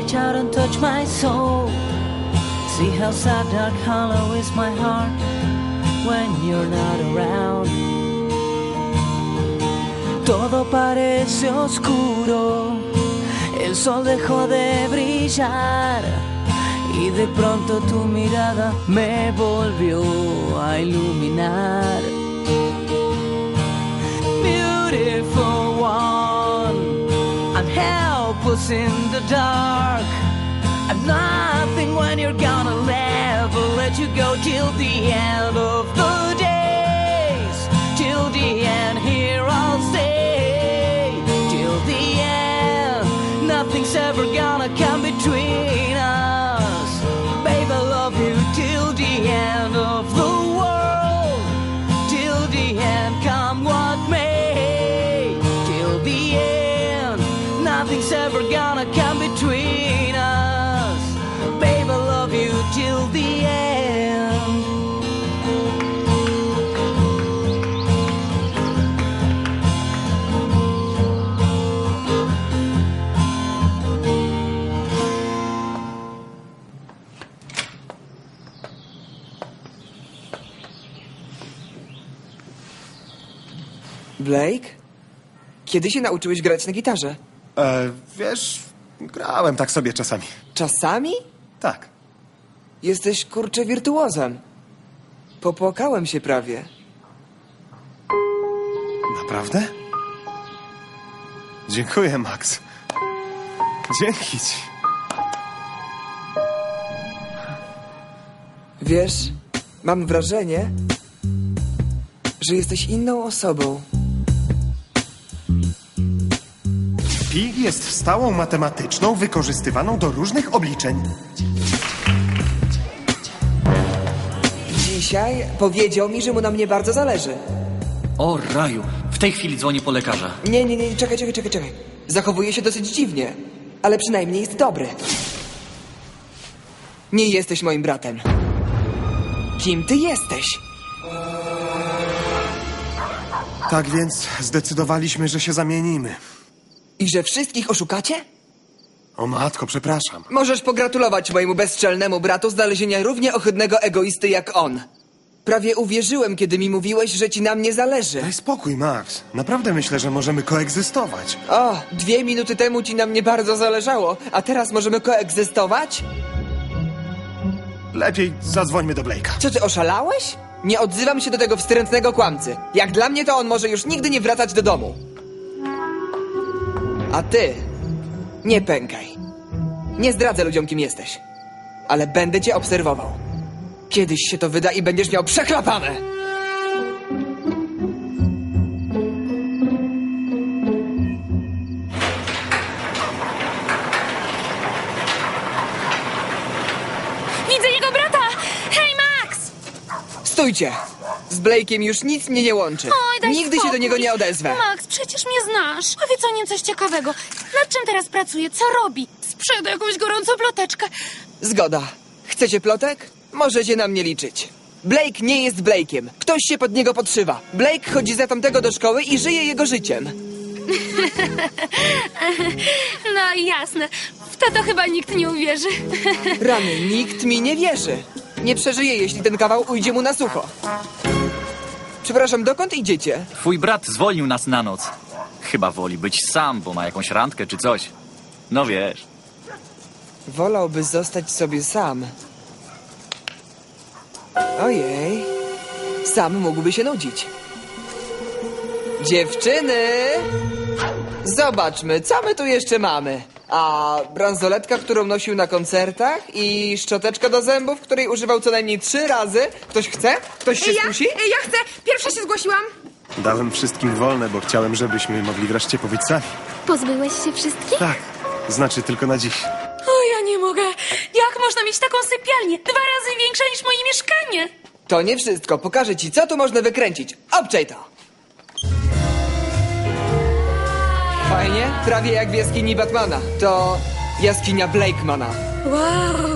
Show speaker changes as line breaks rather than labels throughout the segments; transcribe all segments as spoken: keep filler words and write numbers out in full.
reach out and touch my soul. See how sad, dark, hollow is my heart when you're not around. Todo parece oscuro, el sol dejó de brillar y de pronto tu mirada me volvió a iluminar. Beautiful one, I'm helpless in the dark. I'm nothing when you're gone. I'll never let you go till the end of the days. Till the end, here I'll stay. Till the end, nothing's ever gonna come between us. Babe, I love you till the end of the world. Till the end, come what may. Till the end, nothing's ever gonna come between us. Babe, I love you till the end.
Blake? Kiedy się nauczyłeś grać na gitarze?
E, wiesz, grałem tak sobie czasami.
Czasami?
Tak.
Jesteś, kurczę, wirtuozem. Popłakałem się prawie.
Naprawdę? Dziękuję, Max. Dzięki ci.
Wiesz, mam wrażenie, że jesteś inną osobą.
Pi jest stałą matematyczną wykorzystywaną do różnych obliczeń.
Dzisiaj powiedział mi, że mu na mnie bardzo zależy.
O raju, w tej chwili dzwonię po lekarza.
Nie, nie, nie, czekaj, czekaj, czekaj, czekaj. Zachowuje się dosyć dziwnie, ale przynajmniej jest dobry. Nie jesteś moim bratem. Kim ty jesteś?
Tak więc zdecydowaliśmy, że się zamienimy.
I że wszystkich oszukacie?
O matko, przepraszam.
Możesz pogratulować mojemu bezczelnemu bratu znalezienia równie ohydnego egoisty jak on. Prawie uwierzyłem, kiedy mi mówiłeś, że ci na mnie zależy.
Daj spokój, Max. Naprawdę myślę, że możemy koegzystować.
O, dwie minuty temu ci na mnie bardzo zależało, a teraz możemy koegzystować?
Lepiej zadzwońmy do Blake'a.
Co ty, oszalałeś? Nie odzywam się do tego wstrętnego kłamcy. Jak dla mnie, to on może już nigdy nie wracać do domu. A ty, nie pękaj. Nie zdradzę ludziom, kim jesteś. Ale będę cię obserwował. Kiedyś się to wyda i będziesz miał przechlapane.
Widzę jego brata! Hej, Max!
Stójcie! Z Blake'iem już nic mnie nie łączy.
Oj, daj
Nigdy
spokój.
się do niego nie odezwę.
Max, przecież mnie znasz. Powiedz o nim coś ciekawego. Nad czym teraz pracuje? Co robi? Sprzeda jakąś gorącą ploteczkę.
Zgoda. Chcecie plotek? Możecie na mnie liczyć. Blake nie jest Blake'iem. Ktoś się pod niego podszywa. Blake chodzi za tamtego do szkoły i żyje jego życiem.
No jasne. W to to chyba nikt nie uwierzy.
Rany, nikt mi nie wierzy. Nie przeżyje, jeśli ten kawał ujdzie mu na sucho. Przepraszam, dokąd idziecie?
Twój brat zwolnił nas na noc. Chyba woli być sam, bo ma jakąś randkę czy coś. No wiesz.
Wolałby zostać sobie sam. Ojej. Sam mógłby się nudzić. Dziewczyny! Zobaczmy, co my tu jeszcze mamy. A bransoletka, którą nosił na koncertach i szczoteczka do zębów, której używał co najmniej trzy razy. Ktoś chce? Ktoś się
Ja,
skusi?
ja chcę. Pierwsza się zgłosiłam.
Dałem wszystkim wolne, bo chciałem, żebyśmy mogli wreszcie pobyć sami.
Pozbyłeś się wszystkich?
Tak, znaczy tylko na dziś.
O, ja nie mogę. Jak można mieć taką sypialnię? Dwa razy większa niż moje mieszkanie.
To nie wszystko. Pokażę ci, co tu można wykręcić. Obczaj to! Fajnie? Prawie jak w jaskini Batmana. To jaskinia Blakemana.
Wow.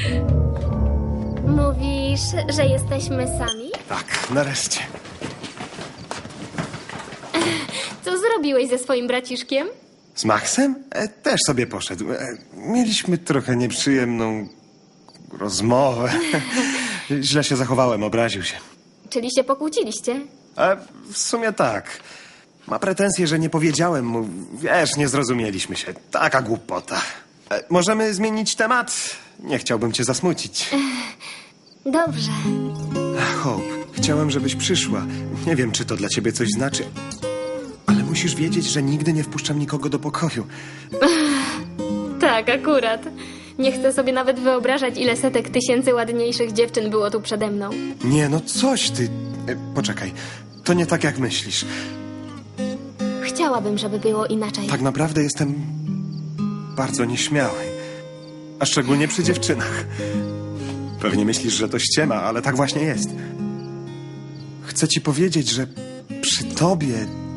Mówisz, że jesteśmy sami?
Tak, nareszcie.
Co zrobiłeś ze swoim braciszkiem?
Z Maxem? E, też sobie poszedł. E, mieliśmy trochę nieprzyjemną rozmowę. Źle się zachowałem, obraził się.
Czyli się pokłóciliście?
E, w sumie tak. Ma pretensje, że nie powiedziałem mu. Wiesz, nie zrozumieliśmy się. Taka głupota. E, możemy zmienić temat? Nie chciałbym cię zasmucić.
Dobrze.
Hope, chciałem, żebyś przyszła. Nie wiem, czy to dla ciebie coś znaczy, ale musisz wiedzieć, że nigdy nie wpuszczam nikogo do pokoju.
Tak, akurat. Nie chcę sobie nawet wyobrażać, ile setek tysięcy ładniejszych dziewczyn było tu przede mną.
Nie, no coś ty... E, poczekaj, to nie tak, jak myślisz.
Chciałabym, żeby było inaczej.
Tak naprawdę jestem bardzo nieśmiały. A szczególnie przy dziewczynach. Pewnie myślisz, że to ściema, ale tak właśnie jest. Chcę ci powiedzieć, że przy tobie...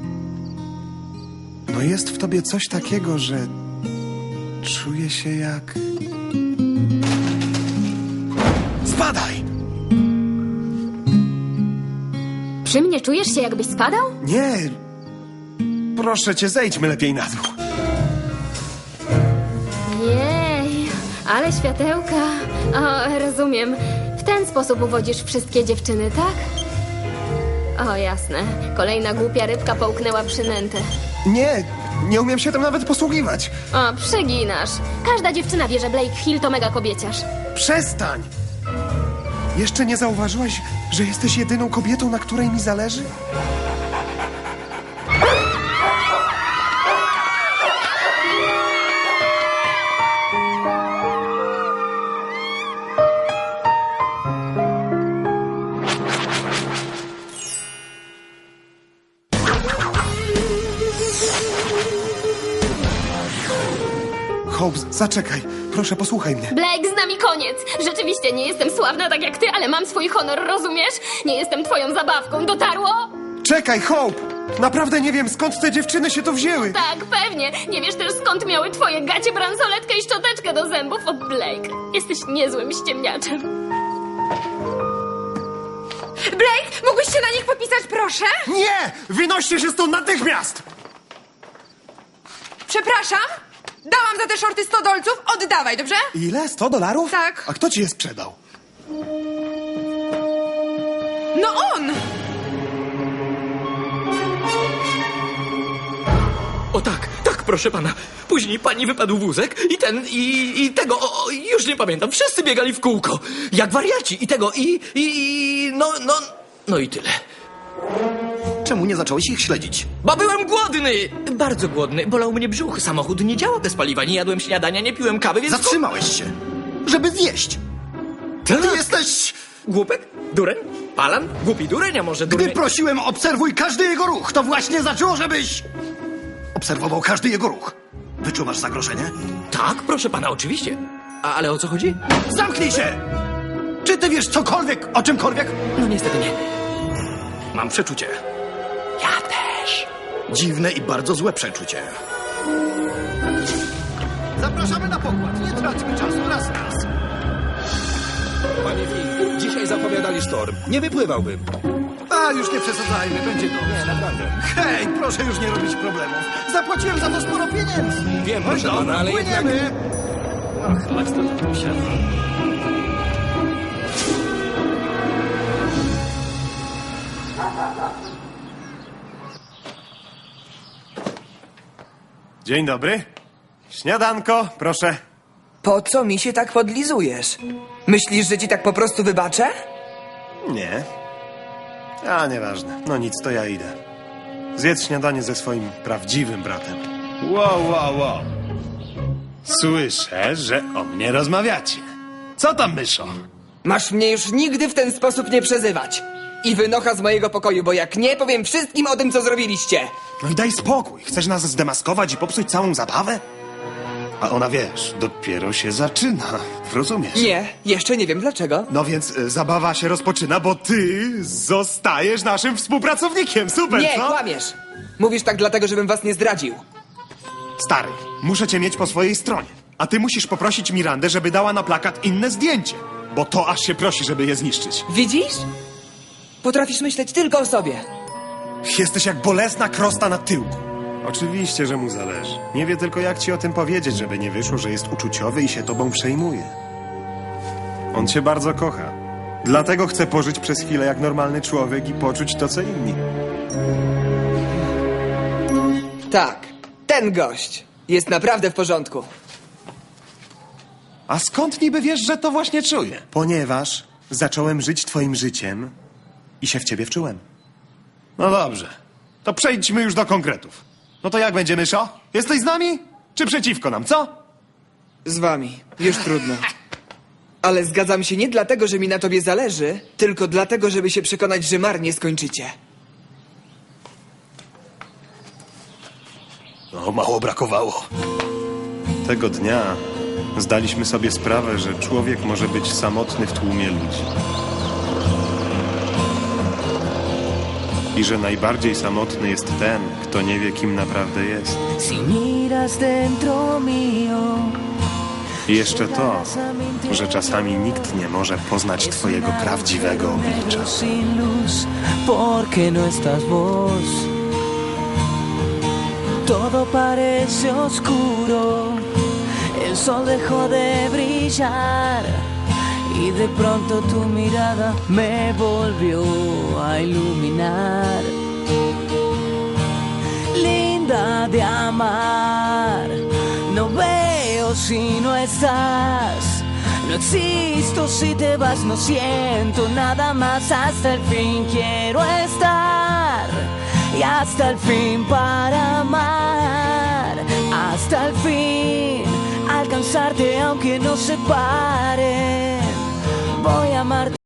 No jest w tobie coś takiego, że... Czuję się jak... Spadaj!
Przy mnie czujesz się, jakbyś spadał?
Nie! Proszę cię, zejdźmy lepiej na dół.
Jej, ale światełka. O, rozumiem. W ten sposób uwodzisz wszystkie dziewczyny, tak? O, jasne. Kolejna głupia rybka połknęła przynętę.
Nie, nie umiem się tym nawet posługiwać.
O, przeginasz. Każda dziewczyna wie, że Blake Hill to mega kobieciarz.
Przestań! Jeszcze nie zauważyłaś, że jesteś jedyną kobietą, na której mi zależy? Hope, zaczekaj. Proszę, posłuchaj mnie.
Blake, z nami koniec. Rzeczywiście nie jestem sławna tak jak ty, ale mam swój honor, rozumiesz? Nie jestem twoją zabawką. Dotarło?
Czekaj, Hope! Naprawdę nie wiem, skąd te dziewczyny się tu wzięły.
Tak, pewnie. Nie wiesz też, skąd miały twoje gacie, bransoletkę i szczoteczkę do zębów od Blake. Jesteś niezłym ściemniaczem.
Blake, mógłbyś się na nich popisać, proszę?
Nie! Wynoście się stąd natychmiast!
Przepraszam? Dałam za te shorty sto dolców, oddawaj, dobrze?
Ile? Sto dolarów?
Tak.
A kto ci je sprzedał?
No on!
O tak, tak, proszę pana. Później pani wypadł wózek i ten, i, i tego, o, o, już nie pamiętam. Wszyscy biegali w kółko, jak wariaci. I tego, i, i, i no, no, no i tyle.
Czemu nie zacząłeś ich śledzić?
Bo byłem głodny! Bardzo głodny. Bolał mnie brzuch. Samochód nie działa bez paliwa. Nie jadłem śniadania, nie piłem kawy, więc...
Zatrzymałeś się, żeby zjeść.
Tak.
Ty jesteś...
Głupek? Dureń? Palan? Głupi dureń, a może
Gdy
dureń?
prosiłem, obserwuj każdy jego ruch, to właśnie zaczęło, żebyś... obserwował każdy jego ruch. Wyczuwasz zagrożenie?
Tak, proszę pana, oczywiście. A, ale o co chodzi?
Zamknij się! Czy ty wiesz cokolwiek o czymkolwiek?
No niestety nie.
Mam przeczucie.
Ja też.
Dziwne i bardzo złe przeczucie. Zapraszamy na pokład. Nie traćmy czasu. Raz, raz.
Panie Fink, dzisiaj zapowiadali sztorm. Nie wypływałbym.
A, już nie przesadzajmy. Będzie dobrze.
Nie, naprawdę.
Hej, proszę już nie robić problemów. Zapłaciłem za to sporo pieniędzy.
Wiem,
No i
proszę
dobra,
pana, ale jednak...
płyniemy.
Ach, to tu się...
Dzień dobry. Śniadanko, proszę.
Po co mi się tak podlizujesz? Myślisz, że ci tak po prostu wybaczę?
Nie. A, nieważne. No nic, to ja idę. Zjedz śniadanie ze swoim prawdziwym bratem. Wow, wow, wow. Słyszę, że o mnie rozmawiacie. Co tam, myszo?
Masz mnie już nigdy w ten sposób nie przezywać. I wynocha z mojego pokoju, bo jak nie, powiem wszystkim o tym, co zrobiliście.
No i daj spokój. Chcesz nas zdemaskować i popsuć całą zabawę? A ona, wiesz, dopiero się zaczyna. Rozumiesz?
Nie, jeszcze nie wiem dlaczego.
No więc y, zabawa się rozpoczyna, bo ty zostajesz naszym współpracownikiem. Super,
Nie,
co?
kłamiesz. Mówisz tak dlatego, żebym was nie zdradził.
Stary, muszę cię mieć po swojej stronie. A ty musisz poprosić Mirandę, żeby dała na plakat inne zdjęcie. Bo to aż się prosi, żeby je zniszczyć.
Widzisz? Potrafisz myśleć tylko o sobie.
Jesteś jak bolesna krosta na tyłku. Oczywiście, że mu zależy. Nie wie tylko, jak ci o tym powiedzieć, żeby nie wyszło, że jest uczuciowy i się tobą przejmuje. On cię bardzo kocha. Dlatego chce pożyć przez chwilę jak normalny człowiek i poczuć to, co inni.
Tak, ten gość jest naprawdę w porządku.
A skąd niby wiesz, że to właśnie czuję? Ponieważ zacząłem żyć twoim życiem i się w ciebie wczułem. No dobrze, to przejdźmy już do konkretów. No to jak będzie, myszo? Jesteś z nami? Czy przeciwko nam, co?
Z wami. Już trudno. Ale zgadzam się nie dlatego, że mi na tobie zależy, tylko dlatego, żeby się przekonać, że marnie skończycie.
No, mało brakowało. Tego dnia zdaliśmy sobie sprawę, że człowiek może być samotny w tłumie ludzi. I że najbardziej samotny jest ten, kto nie wie, kim naprawdę jest.
Si miras dentro mío.
I jeszcze to, że czasami nikt nie może poznać twojego prawdziwego oblicza.
Sin luz, porque no estás vos. Todo parece oscuro. El sol dejó de brillar. Y de pronto tu mirada me volvió a iluminar. Linda de amar, no veo si no estás. No existo si te vas, no siento nada más. Hasta el fin quiero estar. Y hasta el fin para amar. Hasta el fin alcanzarte aunque nos separen. Voy a amarte.